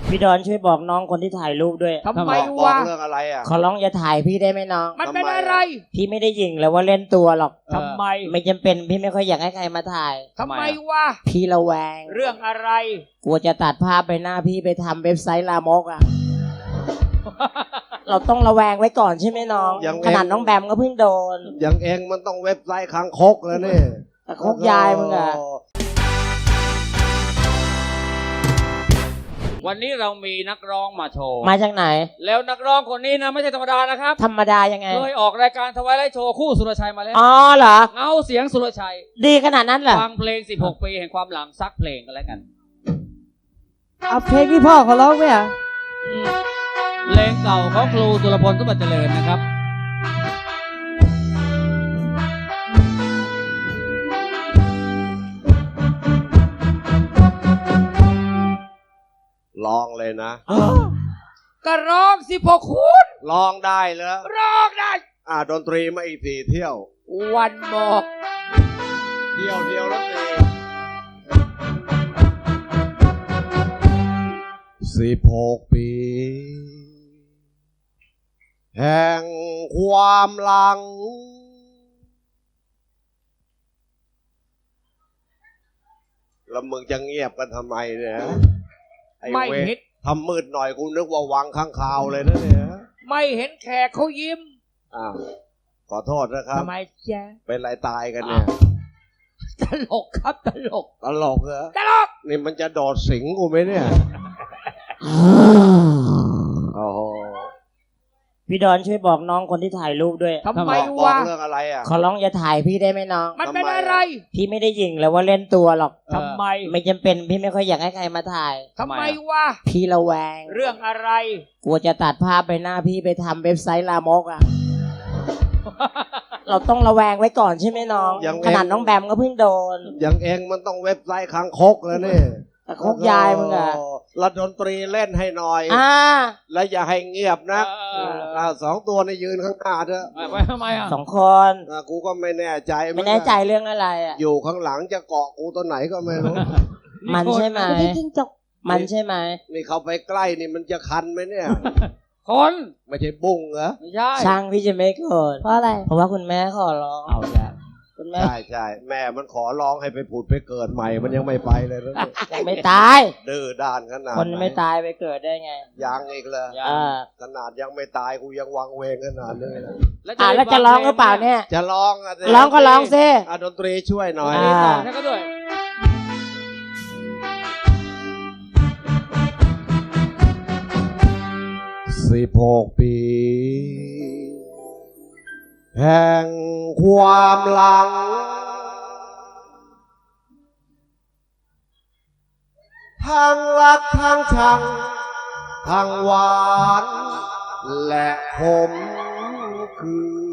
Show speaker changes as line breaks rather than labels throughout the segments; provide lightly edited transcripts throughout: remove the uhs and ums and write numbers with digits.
พี่ดอนช่วยบอกน้องคนที่ถ่ายรูปด้วย
ทำไม
บอก
วะ
เรื่องอะไรอ่ะ
ขอร้องอย่าถ่ายพี่ได้ไหมน้อง
มันเป็นอะไร
พี่ไม่ได้หยิ่งแล้วว่าเล่นตัวหรอก
ทำไม
ไม่จำเป็นพี่ไม่ค่อยอยากให้ใครมาถ่าย
ทำไมวะ
พี่ระแวง
เรื่องอะไร
กลัวจะตัดภาพไปหน้าพี่ไปทำเว็บไซต์ลามกอ่ะ เราต้องระแวงไว้ก่อนใช่ไหมน้อง
ยัง
ขนาดน้องแบมก็เพิ่งโดน
อย่างเองมันต้องเว็บไซต์คางคกแล้วนี่
แต่คกยายมึงอ่ะ
วันนี้เรามีนักร้องมาโชว์
มาจากไหน
แล้วนักร้องคนนี้นะไม่ใช่ธรรมดานะครับ
ธรรมดายังไง
เคยออกรายการทวายไลท์โชว์คู่สุรชัยมาแล้ว
อ๋อเหรอ
เงาเสียงสุรชัย
ดีขนาดนั้นเหรอ
ฟังเพลง 16 ปีแห่งความหลังซักเพลงกันแล้วกัน
เอาเพลงที่พ่อเขาร้องไหมอ่ะ
เพลงเก่าของครูสุรพลสมบัติเจริญนะครับ
ลองเลยนะ
ก็ร้อง16คูณ
ลองได้เหรอ
ร้องได้
ดนตรีมาอีก4 เที่ยว
วันบอก
เที่ยวเดียวแล้ว16 ปี แห่งความหลัง แล้วมึงจะเงียบกันทำไมเนี่ยไอ้
ไม่
เว
เห็น
ทำมืดหน่อยกูนึกว่าวังข้างคาวเลยนะเนี่ย
ไม่เห็นแขกเขายิ้ม
อ้าวขอโทษนะครับ
ทำไมจ๊ะ
เป็นไรตายกันเนี่ย
ตลกครับตลก
ตลกเหรอ
ตลก
นี่มันจะโดดสิงกูไหมเนี่ย โอ้โห
พี่ดอนช่วยบอกน้องคนที่ถ่ายรูปด้วย
ทำไม
บอก
วะ
เรื่องอะไรอ่ะ
ขอร้องอย่าถ่ายพี่ได้ไหมน้อง
มันเป็นอะไร
พี่ไม่ได้หยิ่งแล้วว่าเล่นตัวหรอก
ทำไม
ไม่จำเป็นพี่ไม่ค่อยอยากให้ใครมาถ่าย
ทำไมวะ
พี่ระแวง
เรื่องอะไร
กลัวจะตัดภาพไปหน้าพี่ไปทำเว็บไซต์ลามกอ่ะ เราต้องระแวงไว้ก่อนใช่ไหมน้อง
ยังเอง
ขนาดน้องแบมก็เพิ่งโดน
อย่างเองมันต้องเว็บไซต์คางคกแล้วนี่
แต่คกยายมึงอ่ะ
โแล้วดนตรีเล่นให้หน่อย แล้วอย่าให้เงียบนะ 2 ตัวในยืนข้างหน้าเถอะ
ไปทำไมอ่ะ
2 คน
กูก็ไม่แน่ใจ
ไม่แน่ใจเรื่องอะไรอ่ะ
อยู่ข้างหลังจะเกาะกูตัวไหนก็ไม่รู้
มันใช่ไหมมันใช่ไหม
นี่เข้าไปใกล้นี่มันจะคันไหมเนี่ย
คน
ไม่ใช่บุ้งเหรอ
ไม่ใช่
ช่างพี่จะไม่โกรธเพราะอะไร เพราะว่าคุณแม่ขอร้อง
เอาแล้ว
คุณแม่
ใช่แม่มันขอร้องให้ไปผุดไปเกิดใหม่มันยังไม่ไปเลยนะ
ยังไม่ตาย
ดื้อด้านขนาด
คนไม่
ห
ตายไปเกิดได้ไง
ยังอีกเลย ขนาดยังไม่ตายกูยังวังเวงขนาดนี้นะ
แล้วจะร้องหรือเปล่าเนี่ย
จะร้องอ่ะ
ร้องก็ร้องซิ
ดนตรีช่วยหน่อย
ใช่ก็ด้วย
16 ปี แห่งความหลัง ทั้งรักทั้งชัง ทั้งหวานและขมคือ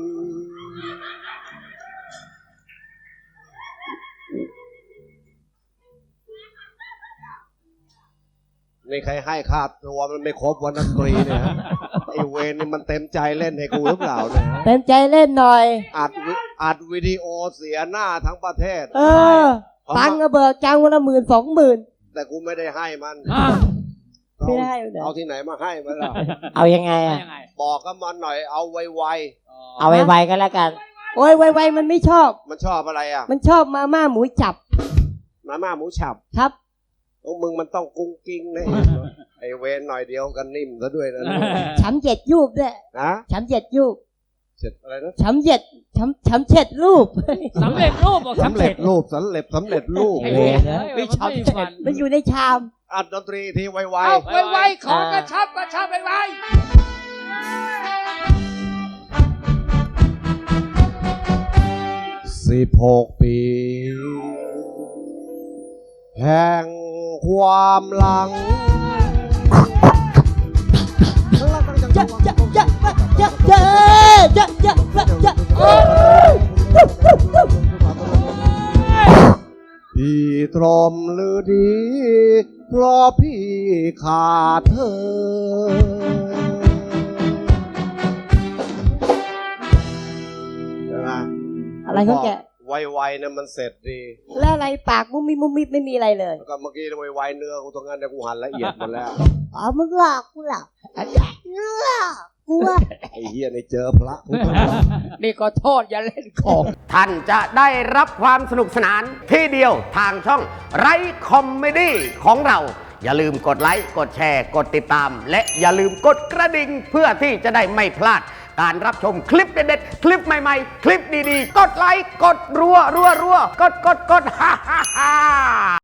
นี่ใครให้ค่าตัวมันไม่ครบวันดนตรีเนี่ย ไอเวรนี่มันเต็มใจเล่นให้กูหรือเปล่าเนี่ย
เต็มใจเล่นหน่อย
อัดวิดีโอเสียหน้าทั้งประเทศ
ตังค์ก็เบิกจังวันละ10,000-20,000
แต่กูไม่ได้ให้มัน
ไม่ได้เหรอ
เอาที่ไหนมาให้มันล่ะ
เอายังไงอ่ะ
ยังไง
บอกกับมันหน่อยเอาไว
เอาไวๆก็แล้วกัน
โอ้ยไวๆมันไม่ชอบ
ๆมันชอบอะไรอ่ะ
มันชอบมาม่าหมูจับ
มาม่าหมูฉับ
ครับ
โอ้มึงมันต้องกุ้งกิ้งนะไอเวรหน่อยเดียวกันนิ่มซะด้วยนะ
ช้ำเจ็ดยูบด้วย
นะ
ช้ำเจ็ดยูบ
เสร็จอะไรนะ
ช้ำเจ็ดช้ำเจ็ดรูป
สำเร็จรูปบอก
สำเร็จรูปสำเร็จรูป
ไอ้
เล
เวย ร
ไม่
ไม่
ชอบ
ชัน
มันอยู่ในชาม
อัดดนตรีทีไว
เอาไวๆขอกระชับไว
16 ปี แห่งความหลัง พี่ตรมหรือดีเพราะพี่ขาดเธอใช่ไหม
อะไรเขาแกะ
ไวๆนะมันเสร็จดี
แล้วอะไรปากมุมมิบมุมมิบไม่มีอะไรเลย
แล้วก็เมื่อกี้ไวๆเนื้อกูตรงนั้นเนี่ยกูหั่นละเอียดหมดแล้ว
อ๋อมึงหลอกกูหลอกกูว่า
ไอ้เหี้ยในเจอพระกูก็
นี่ก็โทษอย่าเล่นของ
ท่านจะได้รับความสนุกสนานที่เดียวทางช่องไรคอมเมดี้ของเรา อย่าลืมกดไลค์ กดแชร์ กดติดตาม และอย่าลืมกดกระดิ่งเพื่อที่จะได้ไม่พลาด การรับชมคลิปเด็ดๆ คลิปใหม่ๆ คลิปดีๆ กดไลค์ กดรัว กดฮ่า